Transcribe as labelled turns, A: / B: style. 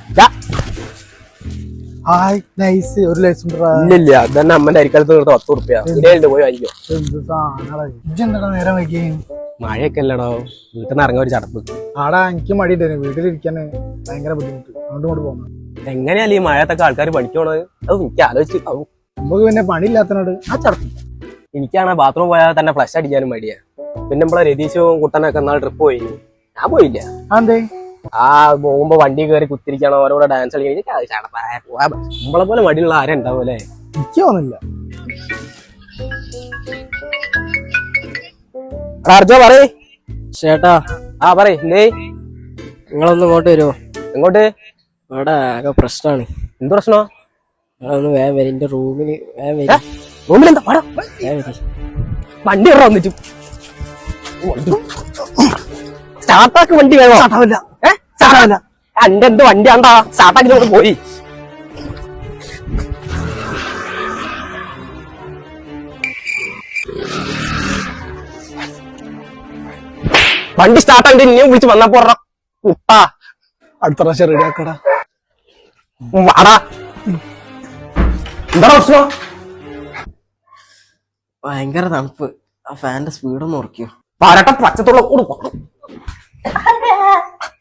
A: ഇല്ല അതന്നെ അമ്മന്റെ അരിക്കാലത്ത് 10 റുപ്യ പോയി വാങ്ങിക്കോ.
B: നേരം വൈകി
A: മഴയൊക്കെ അല്ലടോ, വീട്ടിൽ നിന്ന് ഇറങ്ങാൻ ഒരു ചടപ്പ്.
B: ആടാ എനിക്ക് മടിയുണ്ട്, വീട്ടിലിരിക്കാന് ഭയങ്കര ബുദ്ധിമുട്ട്. അങ്ങോട്ട് പോകുന്നു.
A: എങ്ങനെയല്ലേ ഈ മഴത്തൊക്കെ ആൾക്കാർ പഠിക്കണത്? അത് എനിക്ക് ആലോചിച്ച്
B: നമുക്ക് പിന്നെ പണിയില്ലാത്തതിനോട് ആ ചടപ്പ്.
A: എനിക്കാണ് ബാത്റൂം പോയാൽ തന്നെ ഫ്ലഷ് അടിക്കാനും മടിയാ. പിന്നെ നമ്മളെ രതീശും കുട്ടനൊക്കെ എന്നാൾ ട്രിപ്പ് പോയി, ഞാൻ പോയില്ല.
B: അതെ
A: ആ പോകുമ്പോ വണ്ടി കയറി കുത്തിരിക്കണം, ഓരോടെ ഡാൻസ് കളിക്കാൻ. നമ്മളെ പോലെ മടിയുള്ള ആരും ഉണ്ടാവൂലേ?
B: എനിക്ക് തോന്നില്ല.
A: അർജോ പറയ്
C: ചേട്ടാ.
A: പറയ് എന്തേ?
C: നിങ്ങളൊന്ന് ഇങ്ങോട്ട് വരുമോ?
A: എങ്ങോട്ട്?
C: ഇവിടെ ആകെ പ്രശ്നമാണ്.
A: എന്ത് പ്രശ്നോ?
C: നിങ്ങളൊന്ന് വേഗം വരും, എന്റെ റൂമില് വേഗം വരും.
A: റൂമിലെന്താ വണ്ടി ഇറ വന്നിട്ടു സ്റ്റാർട്ടാക്ക്. വണ്ടി വേണോ? സ്റ്റാർട്ടാവില്ല. എന്റെ എന്ത് വണ്ടി ആണ്ടാ സ്റ്റാർട്ടാക്കി നമുക്ക് പോയി. വണ്ടി സ്റ്റാർട്ടാക്കി ഇനിയും വിളിച്ച് വന്നപ്പോ കുട്ടാ
B: അടുത്ത പ്രാവശ്യം റെഡി ആക്കടാ.
A: വാടാ. എന്താ പ്രശ്നം?
C: ഭയങ്കര തണുപ്പ്. ആ ഫാന്റെ സ്പീഡൊന്ന് ഉറക്കിയോ?
A: പരട്ട പച്ചത്തുള്ള